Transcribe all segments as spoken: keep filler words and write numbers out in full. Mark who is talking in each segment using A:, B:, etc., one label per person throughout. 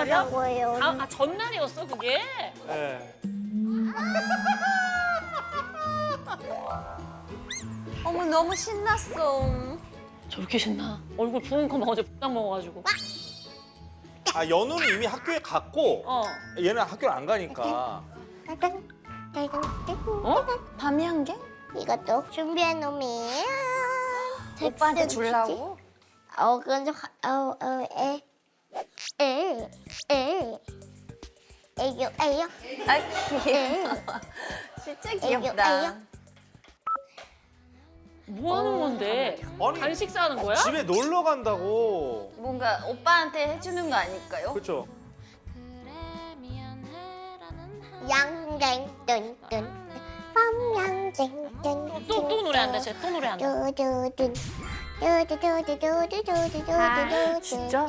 A: 전날이야?
B: 거예요.
A: 아, 아 전날이었어 그게?
C: 네.
D: 어머 너무 신났어.
A: 저렇게 신나? 얼굴 부은 거만 어제 복당 먹어가지고.
C: 아 연우는 이미 학교에 갔고
A: 어.
C: 얘는 학교를 안 가니까.
B: 따단, 따단, 따단.
A: 어?
D: 밤이 한 개?
B: 이것도 준비한 놈이에요.
D: 오빠한테
B: 텍스트
D: 주려고?
B: 어, 그건 좀, 하- 어, 어, 에, 에, 에, 에요, 에요,
D: 아
B: 에,
D: 귀여워. 진짜 귀엽다.
A: 뭐 하는 건데?
C: 아니
A: 간식 싸는 거야?
C: 집에 놀러 간다고.
D: 뭔가 오빠한테 해주는 거 아닐까요?
C: 그렇죠.
B: 양갱, 뚠, 뚠, 팜양갱, 뚠,
A: 또 또 노래한다. 쟤 또 노래한다.
B: 두두둔, 두두두두두두두두두두두.
A: 아, 진짜?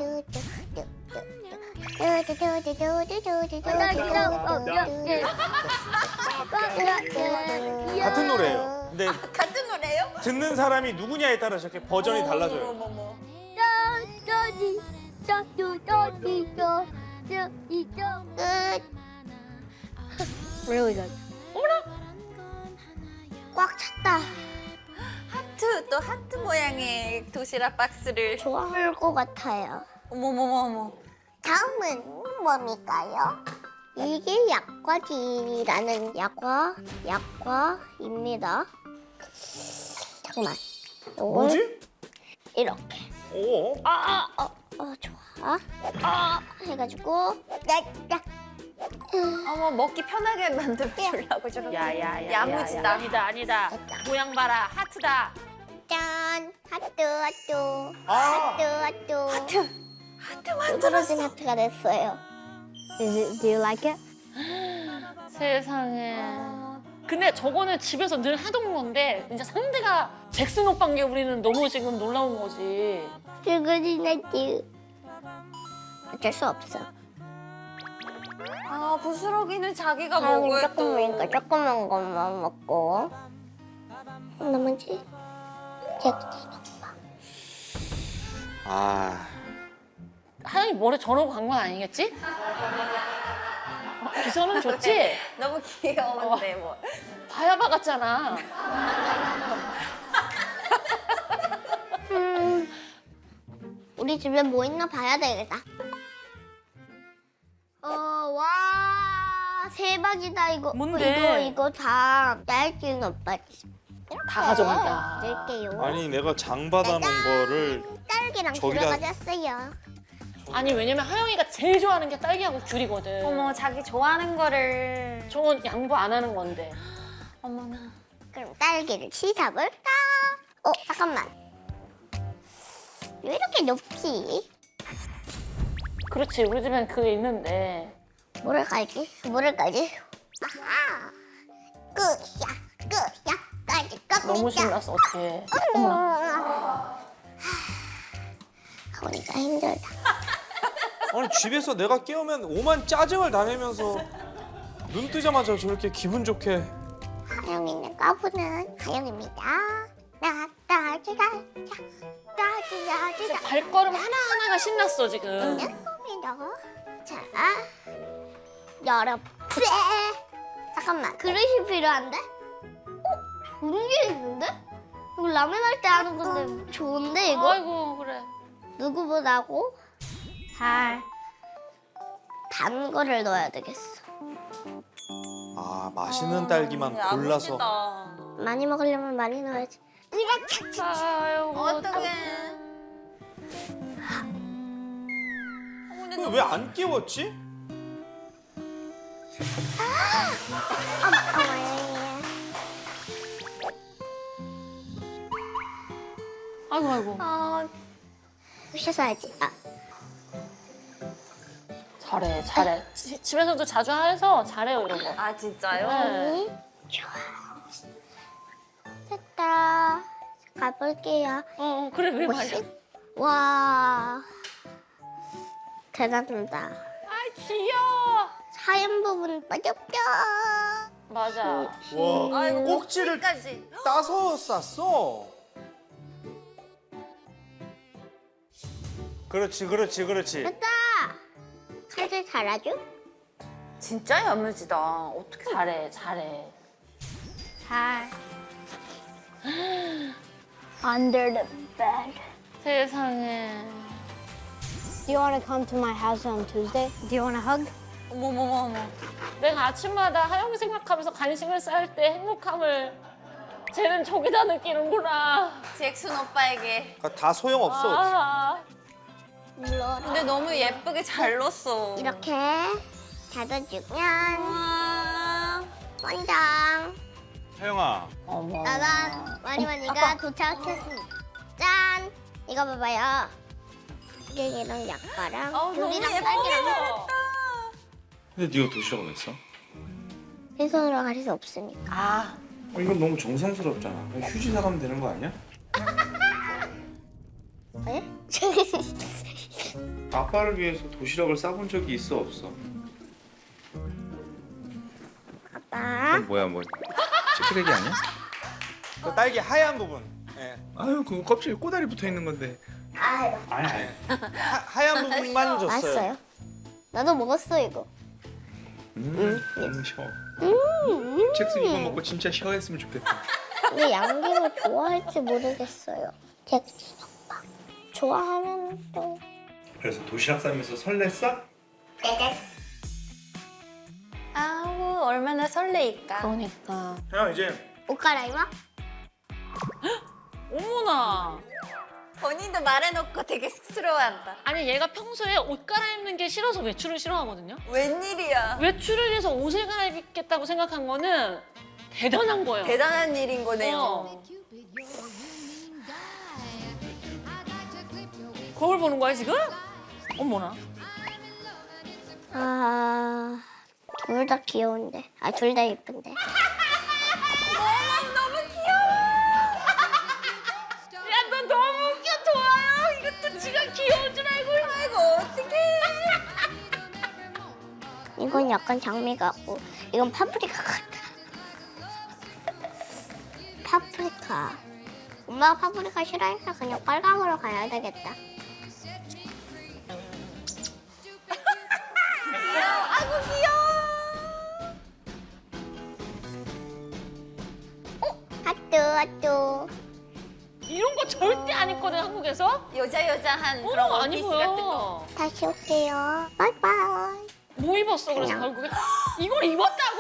C: 같은 노래예요. 근데
D: 같은 노래요?
C: 듣는 사람이 누구냐에 따라 저렇게 버전이 달라져요.
D: 어머머머.
B: Really good. 꽉 찼다.
D: 하트 또 하트 모양의 도시락 박스를.
B: 좋아할 것 같아요.
D: 어머머머머.
B: 다음은 뭡니까요? 이게 약과지라는 약과, 약과입니다. 잠깐만. 요걸
C: 뭐지?
B: 이렇게.
C: 오.
B: 아, 아, 어, 어, 좋아. 아, 해가지고, 야, 야.
D: 어머 먹기 편하게 만들어 주려고 저렇게.
A: 야야야.
D: 야무지다.
A: 아니다 아니다. 모양 봐라 하트다.
B: 짠! 하트, 하트.
C: 아.
B: 하트, 하트.
D: 하트. 하트
B: 떨어진
D: 만들었어.
B: 하트가 됐어요. Is it, do you like it?
A: 세상에. 근데 저거는 집에서 늘 하던 건데 이제 상대가 잭슨 오빠인 게 우리는 너무 지금 놀라운 거지.
B: 그거는 하트. 어쩔 수 없어.
D: 아 부스러기는 자기가
B: 사용이
D: 먹어야
B: 조금이니까
D: 또.
B: 조그만 것만 먹고. 나머지 잭슨 오빠.
C: 아.
A: 하영이 머리 저러고 간 건 아니겠지? 어, 기선은 좋지?
D: 너무 귀여운데 뭐.
A: 바야바 같잖아.
B: 음, 우리 집에 뭐 있나 봐야 되겠다. 어, 와, 대박이다 이거.
A: 뭔데?
B: 이거 이거 다 얇긴 오빠 집.
A: 다 가져간다.
B: 넣을게요.
C: 아니 내가 장 받아놓은 거를
B: 딸기랑
C: 저기다-
B: 들어가졌어요.
A: 아니 왜냐면 하영이가 제일 좋아하는 게 딸기하고 귤이거든.
D: 어머 자기 좋아하는 거를.
A: 저건 양보 안 하는 건데.
D: 어머나.
B: 그럼 딸기를 씻어볼까? 어, 잠깐만. 왜 이렇게 높지?
A: 그렇지 우리 집엔 그게 있는데.
B: 뭐를 깔지? 뭐를 깔지? 아하! 끝이야, 끝이야, 까지 겁니다.
A: 너무 신났어 어떡해. 어머나.
B: 하고니까 힘들다.
C: 아니 집에서 내가 깨우면 오만 짜증을 다 내면서 눈 뜨자마자 저렇게 기분 좋게.
B: 하영이는 까부는 하영입니다. 나따지라 따지라지라
A: 발걸음 하나하나가 신났어 지금.
B: 있는 겁니다. 자, 열어 빼. 잠깐만, 그릇이 필요한데? 어? 좋은 게 있는데? 이거 라면 할 때 하는 건데 좋은데 이거?
A: 아이고 그래.
B: 누구보다고 잘 단 거를 넣어야 되겠어.
C: 아 맛있는 딸기만 골라서.
D: 야무지다.
B: 많이 먹으려면 많이 넣어야지. 이렇게
A: 아이고.
D: 어떡해.
C: 왜 안 깨웠지?
A: 아이고 아이고.
D: 아
B: 씻어야지. 아,
A: 잘해 잘해. 지- 집에서도 자주 해서 잘해요 이런 거.
D: 아 진짜요?
A: 네.
B: 좋아. 됐다. 가볼게요.
A: 어, 어 그래 왜 말이야.
B: 와, 대단하다.
A: 아 귀여워.
B: 하얀 부분 빠졌죠.
A: 맞아.
C: 와
D: 아이고
C: 꼭지를
D: 꼭지까지.
C: 따서 쌌어. 그렇지 그렇지 그렇지.
B: 됐다. 칼 야무지게 잘하죠?
D: 진짜 야무지다. 어떻게
A: 잘해 잘해.
B: 잘. Under the bed.
A: 세상에.
B: Do you want to come to my house on Tuesday? Do you want a hug?
D: 어머머머머.
A: 내가 아침마다 하영 생각하면서 간식을 쌀 때 행복함을 쟤는 저기다 느끼는구나.
D: 잭슨 오빠에게.
C: 그러니까 다 소용없어.
A: 아,
B: 물론
D: 근데 너무 예쁘게 잘 넣었어.
B: 이렇게 닫아주면
D: 와.
B: 완장.
C: 하영아.
D: 어머.
B: 짜잔! 마리마니가 도착했습니다. 짠! 이거 봐봐요. 이랑 약과랑
D: 어, 너무
B: 귤이랑
D: 예쁘게
B: 딸기랑
D: 넣었다.
E: 근데 네가 도시락을 왜 써?
B: 빈손으로 갈 수 없으니까.
D: 아.
E: 어, 이건 너무 정성스럽잖아. 그냥 휴지 사가면 되는 거 아니야?
B: 네?
E: 아빠를 위해서 도시락을 싸본 적이 있어 없어?
B: 아빠.
E: 그건 뭐야 뭐 치크레기 아니야?
C: 그 딸기 하얀 부분. 예.
E: 아유 그거 껍질에 꼬다리 붙어 있는 건데.
B: 아,
E: 아니 아니.
C: 하, 하얀 부분만 줬어요.
B: 맛있어요. 나도 먹었어 이거.
E: 음, 음 쉬어. 잭슨 이거 먹고 진짜 쉬어했으면 좋겠다.
B: 근데 양갱을 좋아할지 모르겠어요. 잭슨 오빠. 좋아하면 또.
E: 그래서 도시락 싸면서 설렜어?
D: 아우 얼마나 설레일까.
A: 그러니까.
C: 형 이제
B: 옷 갈아입어?
A: 어머나.
D: 본인도 말해놓고 되게 쑥스러워한다.
A: 아니 얘가 평소에 옷 갈아입는 게 싫어서 외출을 싫어하거든요.
D: 웬일이야.
A: 외출을 해서 옷을 갈아입겠다고 생각한 거는 대단한 거예요.
D: 대단한 일인 거네요.
A: 어. 거울 보는 거야 지금? 어머나.
B: 아, 둘 다 귀여운데. 아, 둘 다 예쁜데.
A: 야 너 너무 웃겨 좋아요. 이것도 지가 귀여운 줄 알고.
D: 아이고 어떡해.
B: 이건 약간 장미 같고, 이건 파프리카 같아. 파프리카. 엄마가 파프리카 싫어하니까 그냥 빨강으로 가야 되겠다.
D: 아이고 귀여워.
B: 핫뚜, 핫뚜.
A: 이런 거 절대 안 입거든 한국에서.
D: 여자 여자한
A: 어,
D: 그런
A: 안
D: 원피스 같은 거.
A: 입어요.
B: 다시 올게요. 바이바이.
A: 뭐 입었어 그래서 결국에 이걸 입었다고?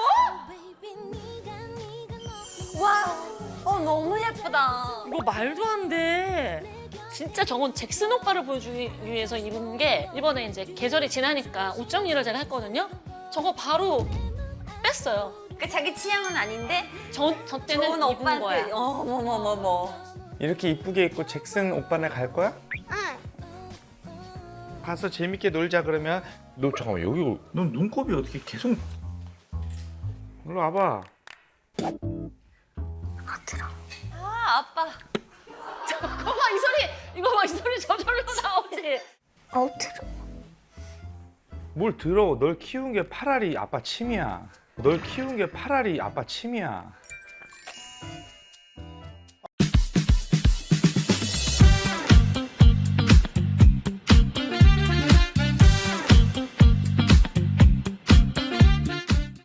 D: 와. 어 너무 예쁘다.
A: 이거 말도 안 돼. 진짜 저건 잭슨 오빠를 보여주기 위해서 입은 게 이번에 이제 계절이 지나니까 옷 정리를 제가 했거든요. 저거 바로 뺐어요.
D: 그 자기 취향은 아닌데
A: 저, 저 때는
D: 좋은
A: 입은
D: 오빠한테.
A: 거야.
D: 어머머머머.
C: 이렇게 이쁘게 입고 잭슨 오빠네 갈 거야?
B: 응.
E: 가서 재밌게 놀자 그러면 너 잠깐만 여기 넌 눈곱이 어떻게 계속 일로 와봐.
D: 아 아빠.
A: 이거 봐, 이 소리! 이거 봐, 이 소리 저절로 나오지.
B: 어우, 들어.
E: 뭘 더러워. 널 키운 게 파라리 아빠 침이야. 널 키운 게 파라리 아빠 침이야.